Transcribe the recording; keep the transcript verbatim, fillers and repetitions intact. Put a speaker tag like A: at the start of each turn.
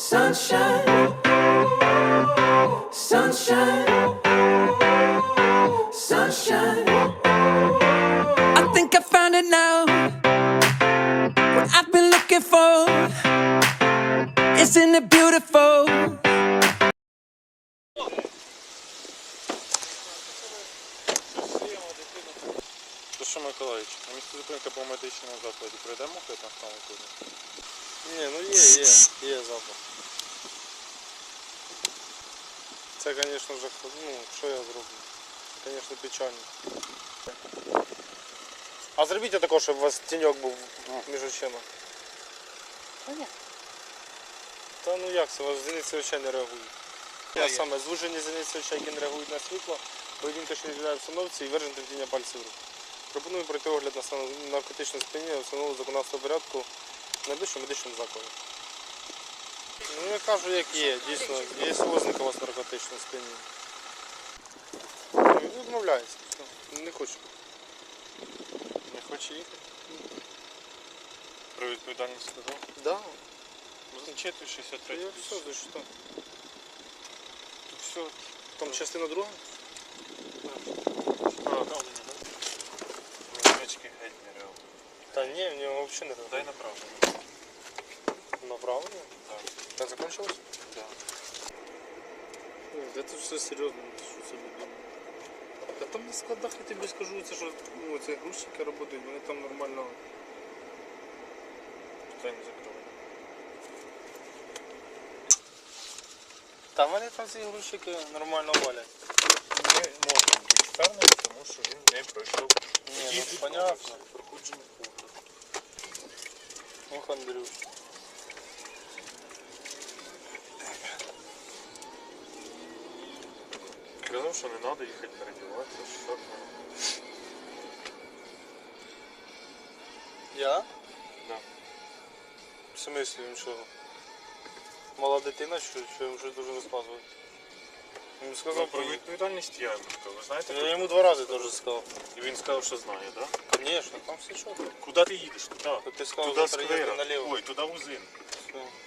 A: Sunshine, sunshine, sunshine. I think I found it now. What I've been looking for. Isn't it beautiful?
B: Що, Миколаївич, на місце зупинки по медичному закладі прийдемо хтось на самому коді?
C: Ні, ну є, є, є запах. Це, звісно, вже, ну, що я зроблю? Це, звісно, печально. А зробіть також, щоб у вас тіньок був між очима.
D: Та ні.
C: Та ну як це, у вас зіниці очей не реагують. Я саме звужені зіниці очей, які не реагують на світло, поведінка, що не відповідає обстановці і виражене тремтіння пальців рук. Пропоную пройти огляд на стан наркотичного сп'яніння встановленого законодавства порядку в найближчому медичному закладі. Ну я кажу, як є, дійсно, є ознака у вас наркотичного сп'яніння. Він відмовляється, не хочу.
B: Не хоче їхати? Про відповідальність сказав?
C: Да.
B: Зачитуй шістдесят три.
C: Я все, за що?
B: Тут все.
C: Там частина друга?
B: Направлення, так? Невеличкий геть не реагує.
C: Та ні, в нього взагалі не реагує.
B: Дай направлення.
C: Направлення?
B: Так.
C: Так закончилось?
B: Так.
C: Ой, це все серйозно, що собі думаю. Та там на складах, я тобі скажу, це що, ну, ці грузчики працюють, вони там нормально.
B: Питання закрили.
C: Та вони там ці грузчики нормально валять.
B: Ми можемо бути впевнені, тому що він не пройшов.
C: Ні, ну понятно.
B: Проходження погляду.
C: Ох, Андрюш.
B: Казав, що не треба їхати передіватися, що так.
C: Я?
B: Да.
C: В смислі він що? Мала дитина, що, що йому щось дуже розказувати? Він
B: Сказав
C: сказав
B: про
C: про
B: відповідальність я йому сказав. Ви знаєте?
C: Я йому два рази теж сказав.
B: І він сказав, що знає, так?
C: Звісно, там все чітко.
B: Куди ти їдеш? Туди.
C: То ти сказав,
B: Туди
C: завтра їздити
B: сквера.
C: наліво.
B: Ой, туди вузин.
C: Все.